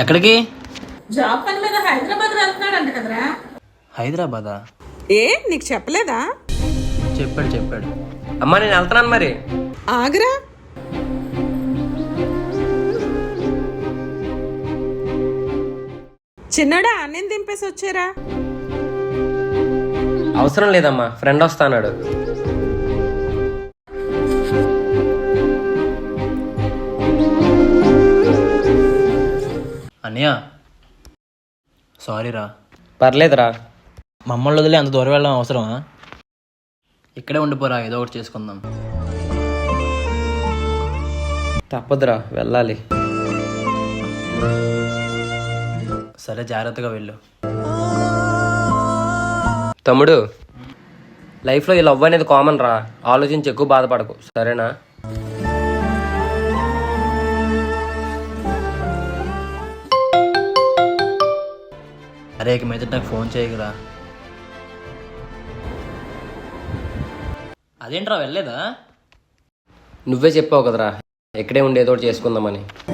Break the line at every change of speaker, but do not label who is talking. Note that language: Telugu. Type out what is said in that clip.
ఎక్కడికి?
జాబ్ పని మీద హైదరాబాద్ వెళ్తున్నాడంట కదరా.
హైదరాబాదా?
ఏ నీకు చెప్పలేదా?
చెప్పాడు.
అమ్మా నేను వెళ్తున్నాను మరి.
ఆగరా, చిన్నడా అన్నం దింపేసి వచ్చారా.
అవసరం లేదమ్మా, ఫ్రెండ్ వస్తాన్నాడు.
అన్నయ్య సారీరా.
పర్లేదురా.
మమ్మల్ని వదిలే అంత దూరం వెళ్ళడం అవసరమా? ఇక్కడే ఉండిపోరా, ఏదో ఒకటి చేసుకుందాం.
తప్పదురా, వెళ్ళాలి.
సరే జాగ్రత్తగా వెళ్ళు.
తమ్ముడు, లైఫ్లో ఈ లవ్ అనేది కామన్ రా, ఆలోచించి ఎక్కువ బాధపడకు, సరేనా?
అరే ఇక మీద నాకు ఫోన్ చేయకురా. అదేంట్రా వెళ్ళలేదా?
నువ్వే చెప్పావు కదరా, ఇక్కడే ఉండి ఏదో ఒకటి చేసుకుందామని.